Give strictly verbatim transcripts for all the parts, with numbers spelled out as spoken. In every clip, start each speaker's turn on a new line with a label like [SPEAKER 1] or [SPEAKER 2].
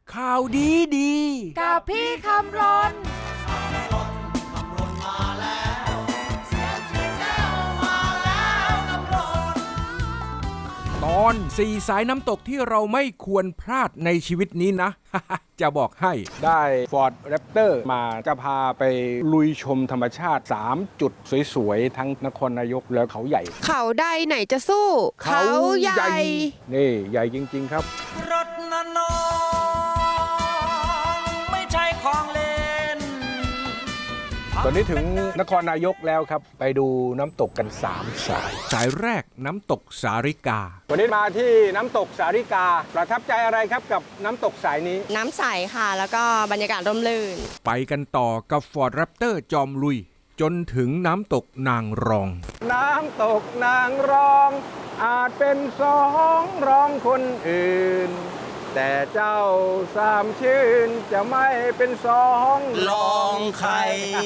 [SPEAKER 1] ข่าวดีดี
[SPEAKER 2] กับพี่คำรน
[SPEAKER 1] ตอนสี่สายน้ำตกที่เราไม่ควรพลาดในชีวิตนี้นะ จะบอกให้ได้ Ford Raptor มาจะพาไปลุยชมธรรมชาติสามจุดสวยๆทั้งนครนายกและเขาใหญ่
[SPEAKER 2] เขาใดไหนจะสู้เขาใหญ่
[SPEAKER 1] นี่ใหญ่จริงๆครับ
[SPEAKER 3] รถน้ำนองไม่ใช่ของเล่น
[SPEAKER 1] ตอนนี้ถึงนครนายกแล้วครับไปดูน้ำตกกันสามสายสายแรกน้ำตกสาริกาวันนี้มาที่น้ำตกสาริกาประทับใจอะไรครับกับน้ำตกสายนี้
[SPEAKER 2] น้ำใสค่ะแล้วก็บรรยากาศร่มรื่น
[SPEAKER 1] ไปกันต่อกับ Ford Raptor จอมลุยจนถึงน้ำตกนางรองน้ำตกนางรองอาจเป็นสองรองคนอื่นแต่เจ้าสามชื่นจะไม่เป็นสอง
[SPEAKER 3] รองใคร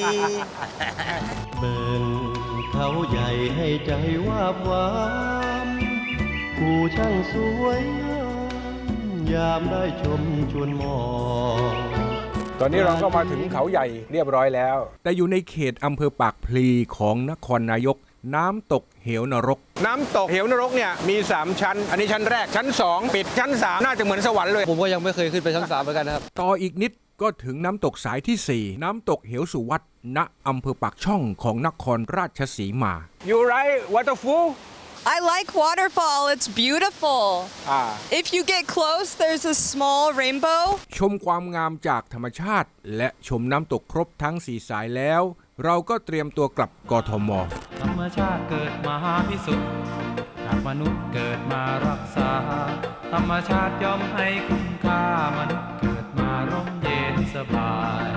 [SPEAKER 4] เบิ่งเขาใหญ่ให้ใจวาบหวามผู้ช่างสวยงามยามได้ชมชวนมอง
[SPEAKER 1] ตอนนี้เราก็มาถึงเขาใหญ่เรียบร้อยแล้วแต่อยู่ในเขตอำเภอปากพลีของนครนายกน้ำตกเหวนรกน้ำตกเหวนรกเนี่ยมีสามชั้นอันนี้ชั้นแรกชั้นสองปิดชั้นสามน่าจะเหมือนสวรรค์เลย
[SPEAKER 5] ผมก็ยังไม่เคยขึ้นไปชั้นสามเหมือนกันนะครับ
[SPEAKER 1] ต่ออีกนิดก็ถึงน้ำตกสายที่สี่น้ำตกเหวสุวัตณอำเภอปากช่องของนครราชสีมา You right waterfall
[SPEAKER 6] I like waterfall. It's beautiful.
[SPEAKER 1] Ah.
[SPEAKER 6] If you get close, there's a small rainbow.
[SPEAKER 1] ชมความงามจากธรรมชาติและชมน้ำตกครบทั้งสี่สายแล้วเราก็เตรียมตัวกลับกทม.
[SPEAKER 7] ธรรมชาติเกิดมาพิสุทธิ์จากมนุษย์เกิดมารักษาธรรมชาติย่อมให้คุณค่ามนุษย์เกิดมาร่มเย็นสบาย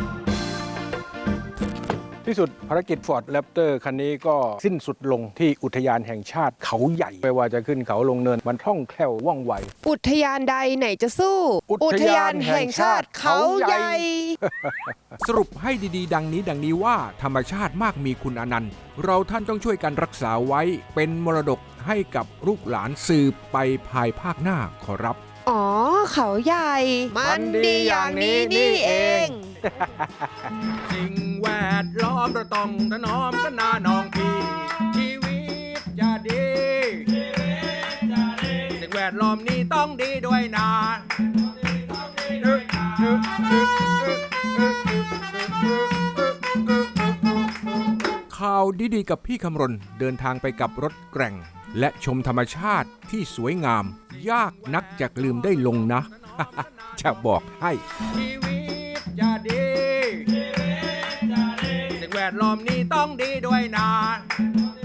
[SPEAKER 1] ที่สุดภารกิจ Ford Raptor คันนี้ก็สิ้นสุดลงที่อุทยานแห่งชาติเขาใหญ่ไม่ว่าจะขึ้นเขาลงเนินมันคล่องแคล่วว่องไว
[SPEAKER 2] อุทยานใดไหนจะสู้
[SPEAKER 1] อุทยานแห่งชาติเขาใหญ่ สรุปให้ดีๆดังนี้ดังนี้ว่าธรรมชาติมากมีคุณอนันต์เราท่านต้องช่วยกันรักษาไว้เป็นมรดกให้กับลูกหลานสืบไปภายภาคหน้าขอรับ
[SPEAKER 2] อ๋อเขาใหญ่มันดีอย่างนี้นี่เอง
[SPEAKER 1] สิ่งแวดล้อมเราต้องถนอมกันนาน้องพี่ชีวิตจะดีสิ่งแวดล้อมนี้ต้องดีด้วยนะข่าวดีๆกับพี่คำรณเดินทางไปกับรถแกร่งและชมธรรมชาติที่สวยงามยากนักจะลืมได้ลงนะ จะบอกให้ชีวิตจะดีสิ่งแวดล้อมนี้ต้องดีด้วยนะ